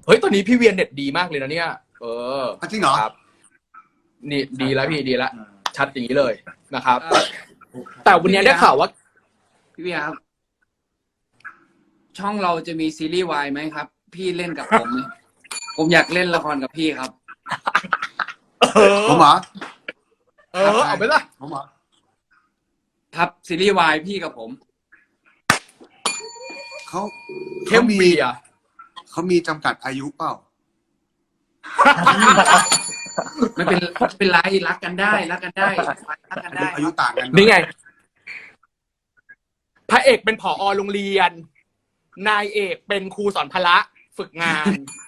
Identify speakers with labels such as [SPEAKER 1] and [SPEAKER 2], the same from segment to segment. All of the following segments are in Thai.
[SPEAKER 1] เฮ้ยตอนนี้พี่เวียนเน็ตดีมากเลยนะเนี่ยเออ
[SPEAKER 2] จริงเหรอ
[SPEAKER 1] ครับนี่ดีแล้วพี่ดีแล้วชัดอย่างนี้เลยนะครับแต่วันนี้ได้ข่าวว่า
[SPEAKER 3] พี่เวียครับช่องเราจะมีซีรีส์วายไหมครับพี่เล่นกับผม ผมอยากเล่นละครกับพี่ครับ
[SPEAKER 2] ผมเหรอ
[SPEAKER 1] เอาไปละ
[SPEAKER 2] ผมเหรอ
[SPEAKER 3] ครับซีรีส์วายพี่กับผม
[SPEAKER 2] เขา
[SPEAKER 1] เข้มมีอ่ะ
[SPEAKER 2] เขามีจำกัดอายุเปล่า
[SPEAKER 3] ไม่เป็นไรรักกันได้รักกันได้
[SPEAKER 2] อายุต่างกัน
[SPEAKER 1] นี่ไงพระเอกเป็นผอ.โรงเรียนนายเอกเป็นครูสอนพละฝึกงาน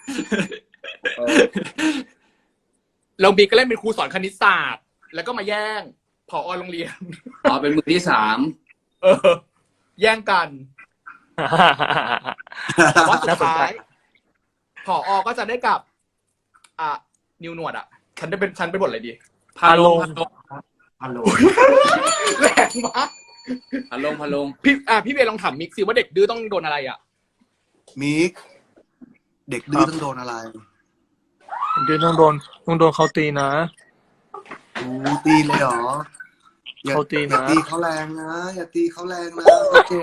[SPEAKER 1] เราบีก็เล่นเป็นครูสอนคณิตศาสตร์แล้วก็มาแย่งผอ.โรงเรียน
[SPEAKER 3] เป็นมือที่3
[SPEAKER 1] แย่งกันแต่ว่าสุดท้ายผอ.ก็จะได้กับนิวหนวดฉันเป็นบทอะไรดี
[SPEAKER 3] พาลง
[SPEAKER 1] แรงมาก
[SPEAKER 3] พาลง
[SPEAKER 1] พี่เบลลองถามมิกซิว่าเด็กดื้อต้องโดนอะไร
[SPEAKER 2] มิกเด็กดื้อต้องโดนอะไร
[SPEAKER 4] เดี๋ยวต้องโดนเขาตีนะ
[SPEAKER 2] ตีเลยเหรอ
[SPEAKER 4] เขาตีนะ
[SPEAKER 2] ตีเขาแรงนะอย่าตีเขาแรงนะโอเค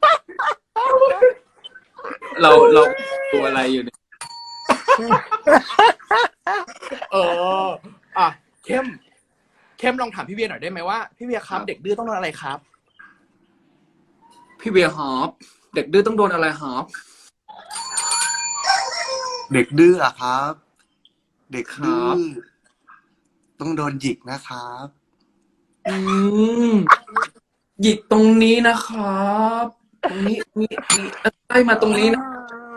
[SPEAKER 3] เราตัวอะไรอยู่เนี่ย
[SPEAKER 1] เข้มลองถามพี่เวียหน่อยได้ไหมว่าพี่เวียครับเด็กดื้อต้องโดนอะไรครับ
[SPEAKER 3] พี่เวียฮอปเด็กดื้อต้องโดนอะไรฮอป
[SPEAKER 2] เด็กดื้ออะครับเด็กดื้อต้องโดนหยิกนะครับ
[SPEAKER 3] หยิกตรงนี้นะครับตรงนี้ไล่มาตรงนี้นะ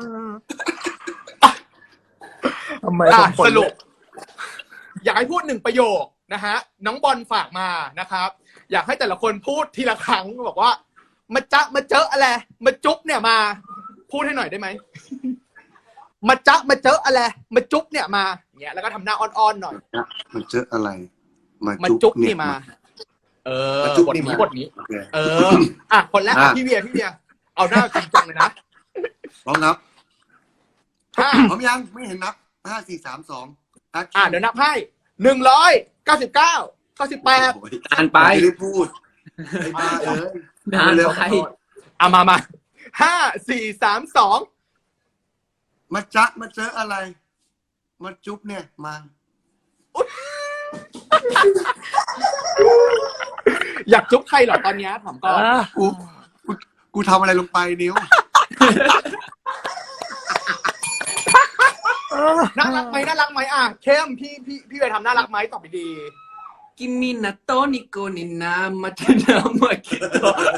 [SPEAKER 4] ทำไม
[SPEAKER 1] สรุปอยากให้พูด1 ประโยคนะฮะน้องบอลฝากมานะครับอยากให้แต่ละคนพูดทีละครั้งบอกว่ามาเจออะไรมาจุ๊บเนี่ยมาพูดให้หน่อยได้ไหมมาเจออะไรมาจุ๊บเนี่ยมาเงี้ยแล้วก็ทำหน้าอ่อนๆหน่อย
[SPEAKER 2] มาเจออะไร
[SPEAKER 1] มาจุ๊บนี่มาบทนี้คนแรกพี่เวียเอาหน้าจริงจังเลยนะ
[SPEAKER 2] พร้อมนับผมยังไม่เห็นนับ5 4 3 2
[SPEAKER 1] เดี๋ยวนับให้199 98
[SPEAKER 3] นานไป
[SPEAKER 2] ไม่ได้พูด
[SPEAKER 3] นานไป
[SPEAKER 1] มา5 4 3 2
[SPEAKER 2] มาเจออะไรมาจุ๊บเนี่ยมา
[SPEAKER 1] อยากจุ๊บใครเหรอตอนนี้ถามก่อน
[SPEAKER 2] กูทำอะไรลงไปนิ้ว
[SPEAKER 1] น่ารักไหมเข้มพี่ไปทำน่ารักไหมตอบดี
[SPEAKER 3] กิมมินาโตนิโกนินามาเทนามาเกโต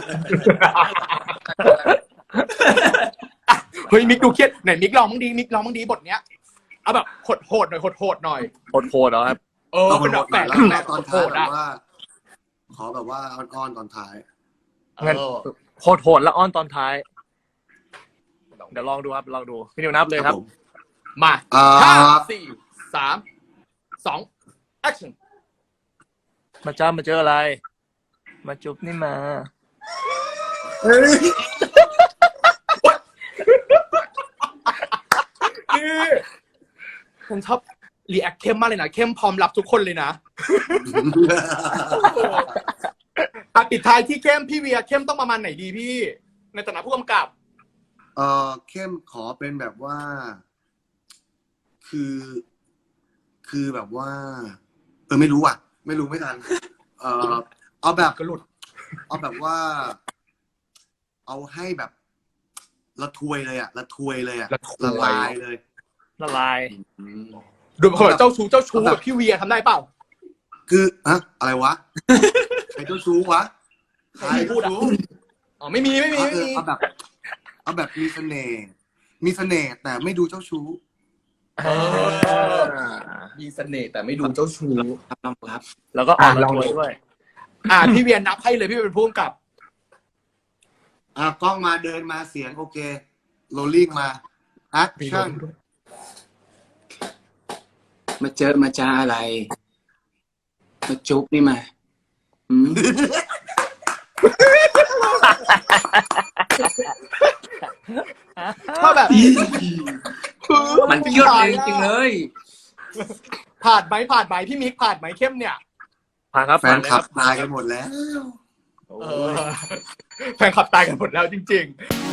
[SPEAKER 1] เฮ้ยมิกดูเครียดไหนมิกลองบ้างดีบทเนี้ยเอาแบบโหดหน่อยโหดเห
[SPEAKER 4] รอครับ
[SPEAKER 1] เป็นแบบแฝง
[SPEAKER 2] ตอนท้ายแบบว่าขอแบบว่าอ้อนตอนท้าย
[SPEAKER 4] งั้นโหดแล้วอ้อนตอนท้ายเดี๋ยวลองดูครับลองดูพี่นิวนับเลยครับ
[SPEAKER 1] มา5 4 3 2 action
[SPEAKER 4] มาเจออะไรมาจุ๊บนี่มา
[SPEAKER 1] ผมชอบรีแอคเข้มมากเลยนะเข้มพร้อมรับทุกคนเลยนะปิดท้ายที่เข้มพี่เวียเข้มต้องประมาณไหนดีพี่ในฐานะผู้กำกับ
[SPEAKER 2] เข้มขอเป็นแบบว่าคือแบบว่าไม่รู้ไม่ทันเอาแบบ
[SPEAKER 1] กระหลุด
[SPEAKER 2] เอาแบบว่าเอาให้แบบละทวยเลยละลายเลย
[SPEAKER 4] ละลาย
[SPEAKER 1] ดูแบบเจ้าชู้แบบพี่เวียทำได้เปล่า
[SPEAKER 2] คืออะไรวะใครเจ้าชู้วะ
[SPEAKER 1] ใครพูดไม่มี
[SPEAKER 2] เอาแบบมีเสน่ห์แต่ไม่ดูเจ้าชู้
[SPEAKER 1] มีเสน่ห์แต่ไม่ดูเจ้าชู้
[SPEAKER 3] ครับ
[SPEAKER 4] แล้วก็ลองด้วย
[SPEAKER 1] พี่เวียนนับให้เลยพี่เป็นผู้กำกับ
[SPEAKER 2] กล้องมาเดินมาเสียงโอเคโรลลิ่งมาแอคชั่น
[SPEAKER 3] มาเจอมาจ้าอะไรมาจุ๊บนี่มา
[SPEAKER 1] ถ้าแบบ
[SPEAKER 3] มันเชื่อเลยจริงๆเลย
[SPEAKER 1] ผ่านไหมพี่มิกผ่านไหมเข้มเนี่ย
[SPEAKER 4] ผ่านครับ
[SPEAKER 2] แฟ
[SPEAKER 4] ผ่าน
[SPEAKER 2] น
[SPEAKER 4] เลย
[SPEAKER 2] คลั
[SPEAKER 4] ครับ บ
[SPEAKER 2] ตายกันหมดแล้ว
[SPEAKER 1] แฟนคลับตายกันหมดแล้วจริง ๆ